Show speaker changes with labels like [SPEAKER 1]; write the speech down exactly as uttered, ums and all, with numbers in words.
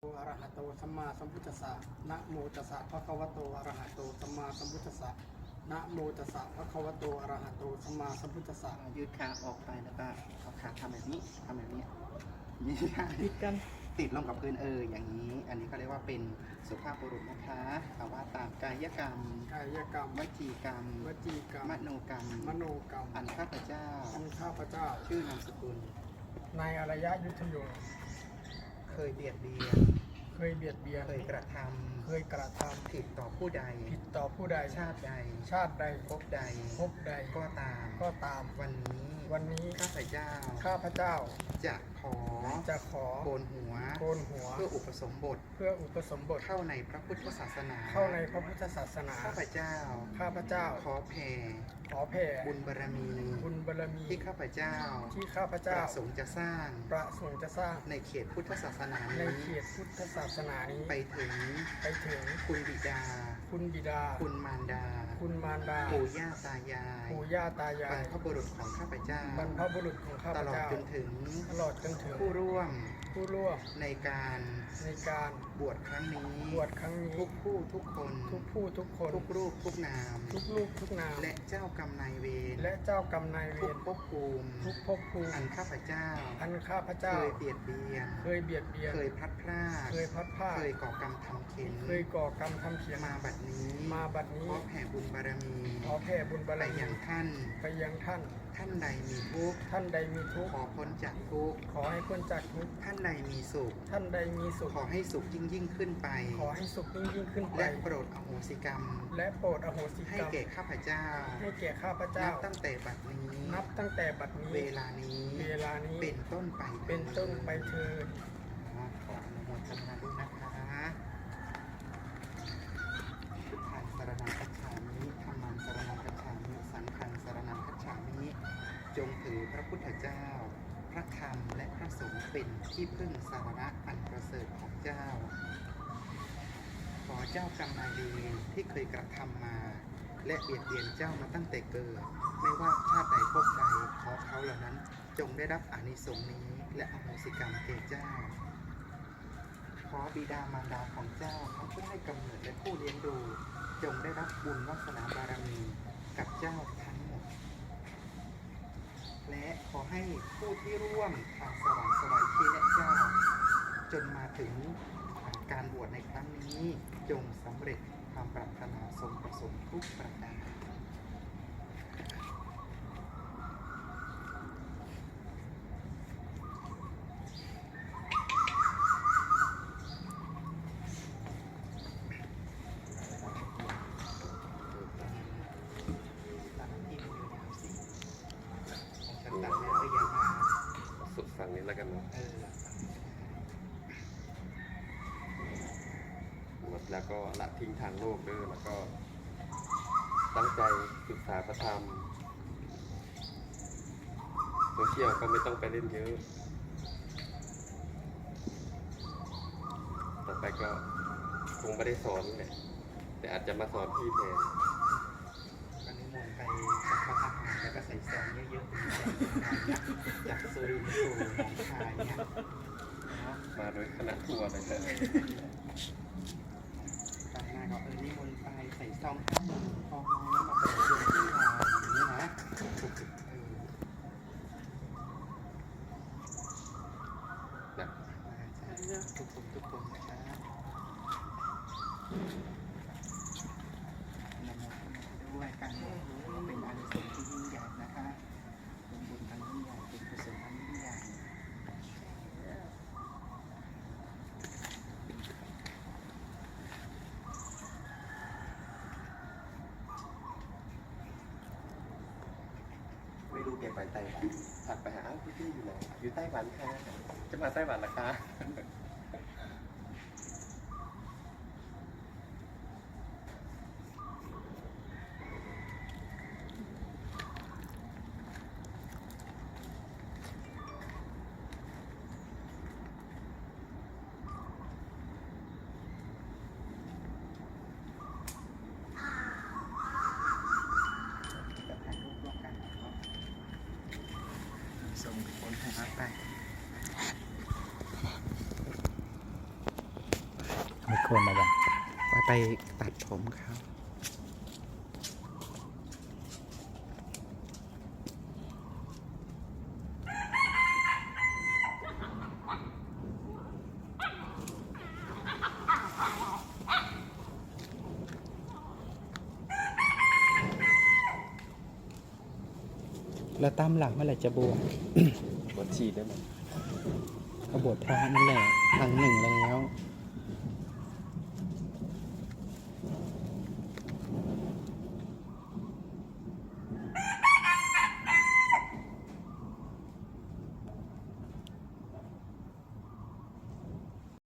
[SPEAKER 1] อะระหะโตสัมมาสัมพุทธัสสะนะโมตัสสะภะคะวะโตอะระหะโตสัมมาสัมพุทธัสสะนะโมตัสสะภะคะวะโตอะระหะโตสัมมาสัมพุทธัสสะ
[SPEAKER 2] ยืดขาออกไปแล้วก็เอาขาทำแบบนี้ทำแบบนี้นี่
[SPEAKER 1] ติดกัน
[SPEAKER 2] ติดลงกับพื้นเอออย่างนี้ อันนี้เขาเรียกว่าเป็นสุภาพบุรุษนะคะเอาว่าตามกายกรรม
[SPEAKER 1] กายกรรม
[SPEAKER 2] วจีกรรม
[SPEAKER 1] วจีกรรม
[SPEAKER 2] มโนกรรม
[SPEAKER 1] มโนกรรม
[SPEAKER 2] อันข้าพเจ้า
[SPEAKER 1] อันข้าพเจ้า
[SPEAKER 2] ชื่อนามสกุล
[SPEAKER 1] นายอารยยุทธโย
[SPEAKER 2] เคยเบียดเบียน
[SPEAKER 1] เคยเบียดเบียน
[SPEAKER 2] เคยกระทำ
[SPEAKER 1] เคยกระทำ
[SPEAKER 2] ผิดต่อผู้ใด
[SPEAKER 1] ผิดต่อผู้ใด
[SPEAKER 2] ชาติใด
[SPEAKER 1] ชาติใด
[SPEAKER 2] ภพใด
[SPEAKER 1] ภพใด
[SPEAKER 2] ก็ตาม
[SPEAKER 1] ก็ตาม
[SPEAKER 2] วันนี้
[SPEAKER 1] วันนี้
[SPEAKER 2] ข้าพเจ้า
[SPEAKER 1] ข้าพเจ้า
[SPEAKER 2] จะขอ
[SPEAKER 1] จะขอ
[SPEAKER 2] โกนหัว
[SPEAKER 1] โกนหัว
[SPEAKER 2] เพื่ออุปสมบท
[SPEAKER 1] เพื่ออุปสมบท
[SPEAKER 2] เข้าในพระพุทธศาสนา
[SPEAKER 1] เข้าในพระพุทธศาสนา
[SPEAKER 2] ข้าพเจ้า
[SPEAKER 1] ข้าพเจ้า
[SPEAKER 2] ขอแผ่
[SPEAKER 1] ขอแผ่
[SPEAKER 2] บุญบารมี
[SPEAKER 1] บุญบารมี
[SPEAKER 2] ที่ข้าพเจ้า
[SPEAKER 1] ที่ข้าพเจ้า
[SPEAKER 2] ประสงค์จะสร้าง
[SPEAKER 1] ประสงค์จะสร้าง
[SPEAKER 2] ในเขตพุทธศาสนา
[SPEAKER 1] ใน
[SPEAKER 2] นี้
[SPEAKER 1] เขตพุทธศาสนานี้
[SPEAKER 2] ไปถึง
[SPEAKER 1] ไปถึง
[SPEAKER 2] คุณบิดา
[SPEAKER 1] คุณบิดา
[SPEAKER 2] คุณมารดา
[SPEAKER 1] คุณมารดา
[SPEAKER 2] ปู่ย่าตายาย
[SPEAKER 1] ปู่ย่าตายา
[SPEAKER 2] บร
[SPEAKER 1] ย
[SPEAKER 2] รพบุรุษของข้าพเจ้า
[SPEAKER 1] บรรพบุรุษของข้าพ
[SPEAKER 2] ตลอด
[SPEAKER 1] เจ้า
[SPEAKER 2] จนถึง
[SPEAKER 1] ตลอดจนถึง
[SPEAKER 2] ผู้ร่วม
[SPEAKER 1] ผู้ร่วม
[SPEAKER 2] ในการ
[SPEAKER 1] ในการ
[SPEAKER 2] บวชครั้งนี้
[SPEAKER 1] บวชครั้งนี้
[SPEAKER 2] ทุกผู้ทุกคน
[SPEAKER 1] ทุกผู้ทุกคน
[SPEAKER 2] ทุกรูปทุกนาม
[SPEAKER 1] ทุกลูกทุกนาม
[SPEAKER 2] และเจ้ากรรมนายเวร
[SPEAKER 1] และเจ้ากรรมนายเว
[SPEAKER 2] ทุก
[SPEAKER 1] ร
[SPEAKER 2] ภพภูมิ
[SPEAKER 1] ทุกภพภูมิ
[SPEAKER 2] อันข้าพเจ้า
[SPEAKER 1] อันข้าพเจ้า
[SPEAKER 2] เคยเบียดเบียน
[SPEAKER 1] เคยเบียดเบียน
[SPEAKER 2] เคยพลัดพราก
[SPEAKER 1] เคยพัดผ้า
[SPEAKER 2] เคยก่อกรรมทำเข็น
[SPEAKER 1] เคยก่อกรรมทำเขียน
[SPEAKER 2] มาบัดนี้
[SPEAKER 1] มาบัดนี้
[SPEAKER 2] ขอแผ่บุญบารมี
[SPEAKER 1] ขอแผ่บุญบาร
[SPEAKER 2] ไป
[SPEAKER 1] มี
[SPEAKER 2] ยังท่าน
[SPEAKER 1] ไปยังท่าน
[SPEAKER 2] ท่านใดมีทุกข์
[SPEAKER 1] ท่านใดมีทุกข์
[SPEAKER 2] ขอพ้นจากทุกข์
[SPEAKER 1] ขอให้พ้นจากทุกข์
[SPEAKER 2] ท่านใดมีสุข
[SPEAKER 1] ท่านใดมีสุข
[SPEAKER 2] ขอให้สุขยิ่งยิ่งขึ้นไป
[SPEAKER 1] ขอให้สุขยิ่งยิ่งขึ้นไป
[SPEAKER 2] และโปรดอโหสิกรรม
[SPEAKER 1] และโปรดอโหสิกรรม
[SPEAKER 2] ให้แก่ข้าพเจ้า
[SPEAKER 1] ให้แก่ข้าพเจ้า
[SPEAKER 2] นับตั้งแต่บัดนี้
[SPEAKER 1] นับตั้งแต่บัดนี้
[SPEAKER 2] เวลานี้
[SPEAKER 1] เวลานี้
[SPEAKER 2] เป็นต้นไป
[SPEAKER 1] เป็นต้นไปเถิด
[SPEAKER 2] ขออนุโมทนาด้วยนะคะพุทธังสรณังคัจฉามิธัมมังสรณังคัจฉามิสังฆังสรณังคัจฉามิจงถือพระพุทธเจ้าพระธรรมและพระสงฆ์เป็นที่พึ่งสารณะอันประเสริฐของเจ้าขอเจ้ากรรมนายเวรที่เคยกระทำมาและเบียดเบียนเจ้ามาตั้งแต่เกิดไม่ว่าชาติใดภพใดขอเขาเหล่านั้นจงได้รับอานิสงส์นี้และอโหสิกรรมแก่เจ้าขอบิดามารดาของเจ้าทั้งผู้ให้กำเนิดและผู้เลี้ยงดูจงได้รับบุญวาสนาบารมีกับเจ้าทั้งหมดและขอให้ผู้ที่ร่วมทางสวรรค์สวายชีและเจ้าจนมาถึงการบวชในครั้งนี้จงสำเร็จความปรารถนาสมประสงค์ทุกประการ
[SPEAKER 3] สุดฝั่งนี้แล้วกันเนาะหมดแล้วก็ละทิ้งทางโลกด้วยแล้วก็ตั้งใจศึกษาพระธรรมโซเชียลก็ไม่ต้องไปเล่นเยอะต่อไปก็คงไม่ได้สอนแหละแต่อาจจะมาสอนพี่แทน
[SPEAKER 2] วันนี้มนไปสัมปทานแล้วก็ใส่แสงเยอะๆจากสุรินทร์สู่หนองคายเนี่ย
[SPEAKER 3] มาโดยคณะทัวร์เลยแต่
[SPEAKER 2] ตอนหน้าก็เออนี่มนไปใส่ซองข้าวหมูฟองน้ำมาเปิดดวงที่เราอย่างนี้นะทุกคนทุกคนนะครับนำมาด้วยกันเป็นอานิสงส์ที่ยิ่งใหญ่นะคะเป็นบุญอันยิ่งใหญ่เป็นกุศลอันยิ่งใหญ่
[SPEAKER 3] ไม่รู้แกไปไต้หวันถัดไปหาพี่พี่อยู่ไหนอยู่ไต้หวันค่ะจะมาไต้หวันเหรอคะ
[SPEAKER 2] ส่งคนให้รับไป
[SPEAKER 4] มีคนมาบ้าง
[SPEAKER 2] ไปไปตัดผมครับแล้วตามหลังเมื่อไหร่จะบวช
[SPEAKER 3] บวชชีได้ไหม
[SPEAKER 2] ก็บวชพระนั่นแหละครั้งหนึ่งแล้ว